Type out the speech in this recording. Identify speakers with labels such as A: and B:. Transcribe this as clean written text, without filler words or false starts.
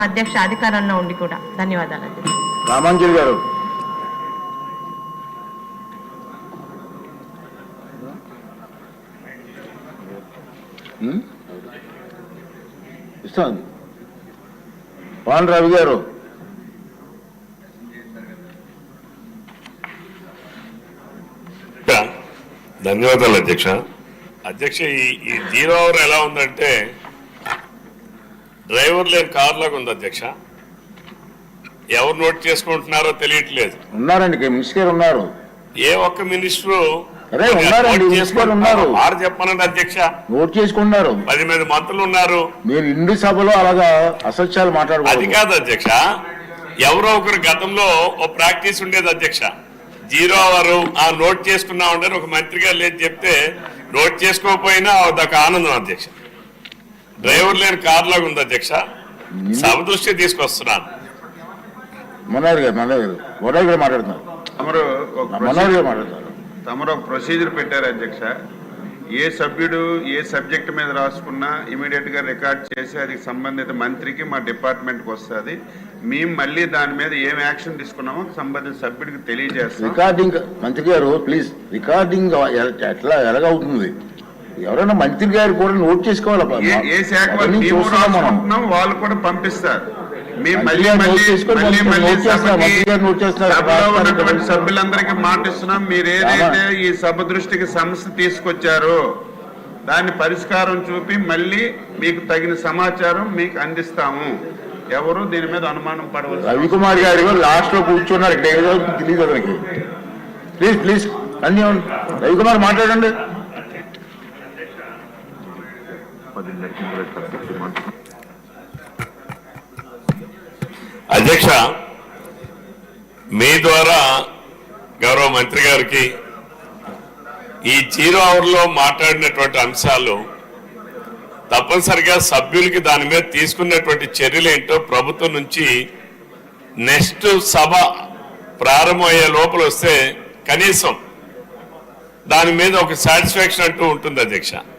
A: అధ్యక్ష అధికారంలో ఉండి కూడా. ధన్యవాదాలు అధ్యక్ష.
B: రామాంజలి గారు. ఇస్తాను. పాన్ రవి గారు.
C: ధన్యవాదాలు అధ్యక్ష. అధ్యక్ష, ఈ 0 అవర్ ఎలా ఉందంటే డ్రైవర్ లేని కార్ లాగా ఉంది అధ్యక్ష. ఎవరు నోట్ చేసుకుంటున్నారో తెలియట్లేదు.
B: ఉన్నారండి, మినిస్టర్ ఉన్నారు.
C: ఏ ఒక్క మినిస్టరు
B: ఉన్నారు.
C: వారు చెప్పనండి అధ్యక్ష.
B: నోట్ చేసుకున్నారు.
C: 10 మంది మంత్రులు ఉన్నారు.
B: మీరు ఇండి సభలో అలాగా అసత్యాలు మాట్లాడకూడదు.
C: అది కాదు అధ్యక్ష, ఎవరో ఒకరు గతంలో ఓ ప్రాక్టీస్ ఉండేది అధ్యక్ష. 0 అవర్ నోట్ చేసుకున్నా ఉండని ఒక మంత్రి గారు లేదు చెప్తే నోట్ చేసుకోకపోయినా అదొక ఆనందం అధ్యక్ష. డ్రైవర్ లేని కార్ లాగా ఉంది అధ్యక్ష. సభ దృష్టి తీసుకొస్తున్నాను.
B: మనోహర్ గారు మాట్లాడుతున్నారు.
D: తమరు ఒక ప్రొసీజర్ పెట్టారు అధ్యక్ష. ఏ సభ్యుడు ఏ సబ్జెక్ట్ మీద రాసుకున్నా ఇమీడియట్ గా రికార్డ్ చేసి అది సంబంధిత మంత్రికి మా డిపార్ట్మెంట్కి వస్తుంది. మేము మళ్ళీ దాని మీద ఏం యాక్షన్ తీసుకున్నామో సంబంధిత సభ్యుడికి తెలియజేస్తాం.
B: రికార్డింగ్ మంత్రి గారు ప్లీజ్, రికార్డింగ్ ఎలాగవుతుంది? ఎవరైనా మంత్రి గారు కూడా నోట్ చేసుకోవాలి.
D: ఏ శాఖ వాళ్ళు కూడా పంపిస్తారు. సభ్యులందరికీ మాటిస్తున్నాం, మీరు ఏదైతే ఈ సభ దృష్టికి సమస్య తీసుకొచ్చారో దాన్ని పరిష్కారం చూపి మళ్ళీ మీకు తగిన సమాచారం మీకు అందిస్తాము. ఎవరు దీని మీద అనుమానం పడవచ్చు.
B: రవికుమార్ గారు లాస్ట్ లో కూర్చున్నారు, ఇక్కడ ఏదో తెలియదు అతనికి. ప్లీజ్ ప్లీజ్ అన్ని రవికుమార్ మాట్లాడండి.
C: అధ్యక్ష, మీ ద్వారా గౌరవ మంత్రి గారికి ఈ 0 అవర్లో మాట్లాడినటువంటి అంశాలు తప్పనిసరిగా సభ్యులకి దాని మీద తీసుకున్నటువంటి చర్యలు ఏంటో ప్రభుత్వం నుంచి నెక్స్ట్ సభ ప్రారంభమయ్యే లోపల వస్తే కనీసం దాని మీద ఒక సాటిస్ఫాక్షన్ అంటూ ఉంటుంది అధ్యక్ష.